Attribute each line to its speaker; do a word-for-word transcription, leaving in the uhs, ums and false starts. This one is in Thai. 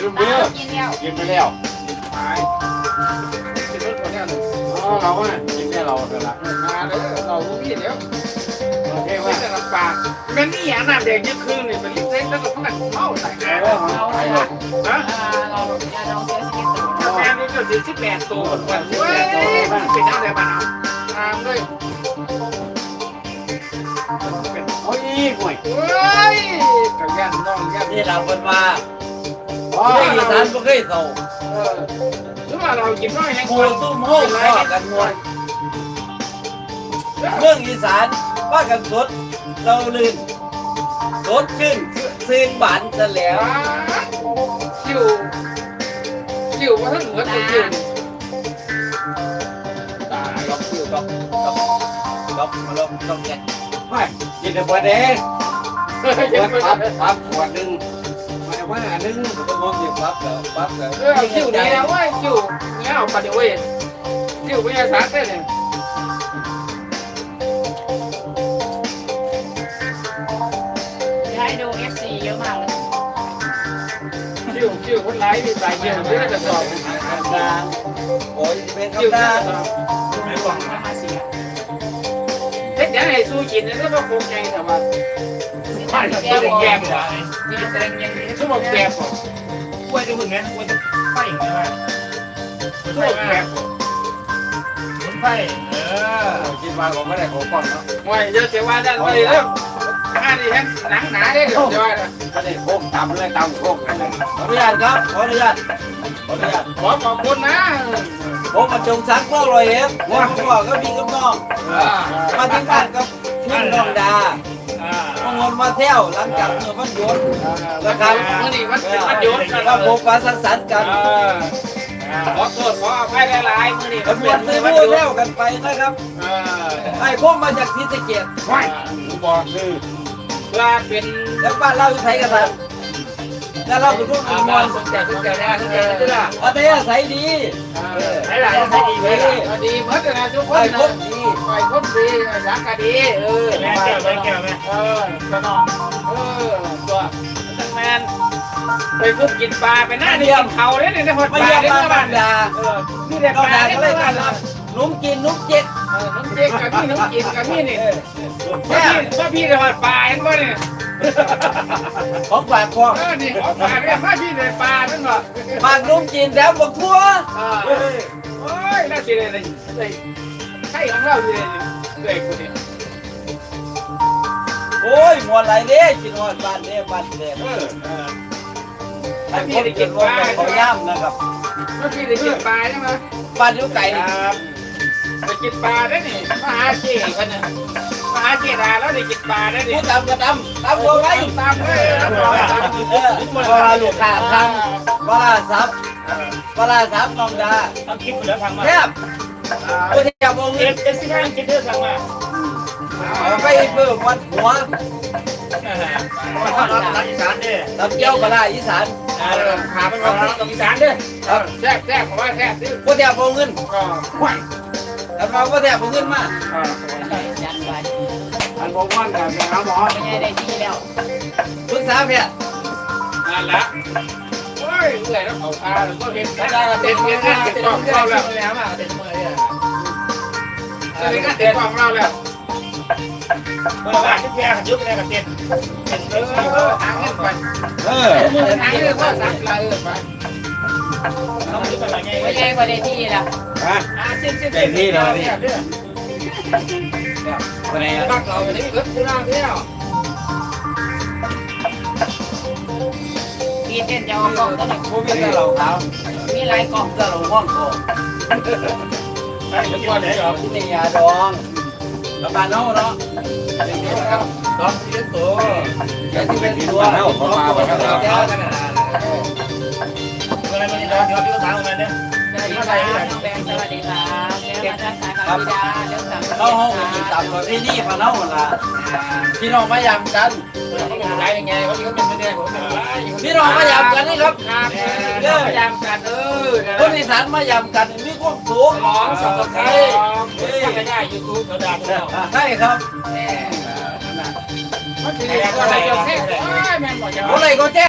Speaker 1: มเบื่อ
Speaker 2: กินแล้ว
Speaker 1: กินไปแล้วตายกินรถคนนี้อ๋อเราอ่ะกินแค่เราเท่านั้นมาเด้อเราลูกพี่เดี๋ยวโอเคว่าจะลำบากมันนี่อย่างน้ำแดงยี่คืนนี่มันลิเซ็ตแล้วก็พักเมาใส่แก้ว
Speaker 2: เรา
Speaker 1: ไป
Speaker 2: เรา
Speaker 1: ฮะ
Speaker 2: เราเราเสียชีวิตตัว
Speaker 1: แม่นี่ก็สิบสิบแปดตัวเว้ยมันเป็นอะไรบ้างตามด้วยโอ้ยห่วยเฮ้ยกับยันน้องยัน
Speaker 3: นี่เราเป็นว่า
Speaker 1: อ๋อ
Speaker 3: ไม่อีสานไม่เคยเท่า
Speaker 1: เออถือว่าเรากินน้อยแห้ง
Speaker 3: หมูซุ่มห้องพ่อกันมวนเมืองอีสานว่ากันสดเราลื่นสดขึ้นซื่นบานซะแล้ว
Speaker 1: คิวคิวมาทั้งหัวตัวคิว
Speaker 3: ตาล็อกคิวล็อกล็อกล็อกมาล็อกล็อกแก
Speaker 1: ไม่กินแต่บัวแดงเฮ้ยกินไปครับครับขวดหนึ่งมาว่าหนึ่ง
Speaker 3: ต้องมองอยู่ปั๊บแล้วปั๊บแล้ว
Speaker 1: เออคิวดีแล้วเว้ยคิวเนี่ยเอาไปเดี๋ยวเว้ยคิวไม่ใช่สารเต้นเนี่ย
Speaker 2: ให้ดู เอฟ ซี เยอะมากเลย
Speaker 1: คิวคิวคนไร้มีสายเกี่ยวไม่ได้จะสอบ
Speaker 3: ดาโอ้ยเป็น
Speaker 1: คิว
Speaker 3: คำ
Speaker 1: ได้
Speaker 3: ดา
Speaker 1: สอบ
Speaker 2: ไม่บอกมาเสีย
Speaker 1: เฮ้ยเดี๋ยวให้สู้กินแล้วก็คงไงแต่ว่า
Speaker 2: บ้าน
Speaker 1: แก
Speaker 2: แก้ว
Speaker 1: แกมกว่า
Speaker 2: มีแตงยังมี
Speaker 1: ชั่วโมงแกมกว่า
Speaker 4: กล้วยจะมึงไงกล้วยจะไฟอย่างนี้ว่า
Speaker 1: ชั่วโมงแกม
Speaker 4: หมุนไฟเออ
Speaker 3: กินมาผมไม่ได้ของก่อนเนาะ
Speaker 1: มวยเยอะเสียว่าด้านไปเรื่องอันนี้ฮะหนังหนาได้เดี๋ยวจะว่า
Speaker 3: ก็ได้โค้งตำเลยตำโค้งกันเลยขออนุญาตครับขออนุญาตขออนุญาต
Speaker 1: ขอขอบคุณนะ
Speaker 3: ผมมาจงสักเล่าลอยเอ็มแล้วผมบอกก็มีกับน้องมาที่บ้านกับพี่น้องดา
Speaker 4: อ่า
Speaker 3: พงวนมาเที่ยวหลังจากเมื่อวันหยุด
Speaker 1: แล้วครับมื่อนี้มันเป็นวันหยุด
Speaker 3: ก็พบปะสังสรรค์กัน
Speaker 1: ขอโทษขออภัยหลายๆมื่อนี้
Speaker 3: กั
Speaker 1: มัน น
Speaker 3: ม
Speaker 1: เป็
Speaker 3: วน
Speaker 1: น
Speaker 3: ซื้อ
Speaker 1: วันหยุด
Speaker 3: มูเที่ยวกันไปนะครับ
Speaker 1: เออ
Speaker 3: ไอ้พวกมาจากศรีสะเกษ
Speaker 1: ไหวบอกคือว่าเป็น
Speaker 3: แล้วบ้านเราอยู่ไทยกันครับแล้วเราเป็นพวกมวล
Speaker 4: สนใจสนใจนะสนใจนะด้วยล่ะ
Speaker 3: อัธยาศัยดี
Speaker 4: ไหนล่ะใช้ดีไหมล่ะ
Speaker 1: ดีเหมือนกันนะทุกค
Speaker 3: ไอ้
Speaker 1: น
Speaker 3: พว
Speaker 1: นะ
Speaker 3: กดี
Speaker 1: ไอ้คนดีไอ้สักกะดีเออ
Speaker 4: แม่แก้วไหมแก้วไหม
Speaker 1: เออก็นอนเออตัวตั้งแมนไปคุกกินปลาไปหน้านี่กินเขาเนี่ยในหดป
Speaker 3: มา
Speaker 1: ลา
Speaker 3: เยี่ยม
Speaker 1: เนี่ย
Speaker 3: บ้าน
Speaker 1: นะบ้าน
Speaker 3: บ้านดา
Speaker 1: เออนี่เด็ก
Speaker 3: น้อง
Speaker 1: ปลา
Speaker 3: ดา
Speaker 1: เนี่
Speaker 3: ก็
Speaker 1: ย
Speaker 3: เลย
Speaker 1: บ้า
Speaker 3: กัน น
Speaker 1: เรา
Speaker 3: รับนุ่มกินนุ่มเจ็ด
Speaker 1: เออน้ำเจ๊กกับพี่น้ำกินกับพี่นี่ว่าพี่ว่าพี่ในหดปลาเห็นป่ะเนี่ย
Speaker 3: ของฝากพวก
Speaker 1: เออนี่ของฝากเนี่ยว่าพี่ในปลานั่นป่ะ
Speaker 3: มากนุ่มกินแถมบักทั่ว
Speaker 1: เออโอ้ยน่าสิเลยเลยใช่ของเราเลยเลยคนนี้
Speaker 3: โอ้ยมวนไหลเด้กินหอดบ้านเด้บ้านเด้
Speaker 1: เออเออ
Speaker 3: ไอ้คนกินว่าเขาย่ำนะครับ
Speaker 1: ว่าพี่ได้กินปลาใช่ไหม
Speaker 3: บ้านอยู่ไก่
Speaker 1: ครับไปกินปลาได้นี่มาหาเจ๊กันนะมาหาเจ๊ดาแล้วได้กินปลาได้ดิ
Speaker 3: ผู้ตำก็ตำตำบัวไว้
Speaker 1: ตามเลยรับรองตาม
Speaker 3: เออเวลาลูกค้าทำปลาซับปลาซับน้องดา
Speaker 4: ทำคลิปเหลือทางมา
Speaker 3: แทบผู้ที่จะมอง
Speaker 4: เอ
Speaker 3: เงิน
Speaker 4: ฟเอฟซีห้างคิดเดือดทางมา
Speaker 3: เอาไปเพิ่มวัดหัว
Speaker 4: มาทำรักอีสานเด้อ
Speaker 3: ตำเจ้าปลาอีสาน
Speaker 4: ขาเป็นของรักอีสานเด้อ
Speaker 3: ครับ
Speaker 1: แซ่บแซ่บผมว่าแซ่บดิ
Speaker 3: ผู้ที่จะมองเงิน
Speaker 1: ก็ไหว
Speaker 3: แต่มาผู้ที่จะมองเงินมา
Speaker 2: ยันไว้
Speaker 1: อันบอกว่าแต่ไปหาหมอ
Speaker 2: ไม่ใช่ได้ที่แล้ว
Speaker 3: ปรึกษาแพทย์
Speaker 1: นั่นละโอ้ยเหนื่อยแล้วเขาพาก็เห็น
Speaker 4: แล้
Speaker 1: แล้ว ว
Speaker 4: ก็
Speaker 1: เต็
Speaker 4: เต็
Speaker 1: ม
Speaker 4: ม
Speaker 1: เต็
Speaker 4: เต็
Speaker 1: ม
Speaker 4: ม
Speaker 1: เต็
Speaker 4: เต็
Speaker 1: ม
Speaker 4: ม
Speaker 1: เต็ม
Speaker 4: เต็
Speaker 1: ก
Speaker 4: ม
Speaker 1: ล่อง
Speaker 4: เต็
Speaker 1: เรา
Speaker 4: ม
Speaker 1: แล้ว
Speaker 4: เต็มเต็มเต็มเต็ม
Speaker 1: เต็มเต็มกล่องเราแล้ว
Speaker 4: เมื่อวานที่แกขัดยุบในกระเต็ม
Speaker 1: เออหางเงินไป
Speaker 3: เออ
Speaker 1: มือหางเงินก็สักลายเออไป
Speaker 4: ต้องยุบอะไรไง
Speaker 2: ไม่ใช่กว่าได้ที่แล้ว
Speaker 3: ฮะ
Speaker 4: อ่าสิ้นสิ้น
Speaker 3: เป็นที่เรานี่
Speaker 4: เด้อ
Speaker 3: คนไหนอ่ะ
Speaker 1: บักเราอย่างนี้เกิดกูน่าเที่ยว
Speaker 2: มีเต้นจะเอากล่องตัวหนึ่ง
Speaker 3: ผู้มีแต่เหล่าขาว
Speaker 2: มีหลายกล่อง
Speaker 3: แต่เหล่าห้องโก
Speaker 4: ใช่ทุกวันเลยเหรอ
Speaker 3: ที่นี่ยาดองแล้วบ้านเฮาเนาะ
Speaker 4: น้องที่เล่นตัว
Speaker 3: แค่ที่เป็นตัวเฮาเขามาบ่ครับ
Speaker 4: เจ้ากันนะเมื่อไรมันจะร้อนเดี๋ยวพี่ก็ถามมาเนี่ย
Speaker 2: สวัสดีครับน้องแบงค์สวัสดีครับแม่มาจากสายคำพิดาเรื่องสาม
Speaker 3: เราเฮาก็สิตามประเพณีบ้านเฮาล่ะพี่น้องมายามกัน
Speaker 4: เขาเป็นไรยังไงเขาที่เขาเป็นไม่ได้ผมเป็นไร
Speaker 3: พี่น้องมายามกันนี่ครับ
Speaker 1: ครับเด้อพยายามกันเออ
Speaker 3: คนอีสานมายามกันมีความสุข
Speaker 1: ร้องสับปะรด
Speaker 4: เฮ้ยสักง่ายยูทูบเขาด่าพวกเรา
Speaker 3: ใช่ครับ
Speaker 1: มันถึงอะไรจะเท่แม่นบอกจะ
Speaker 3: อะไรก็แจ้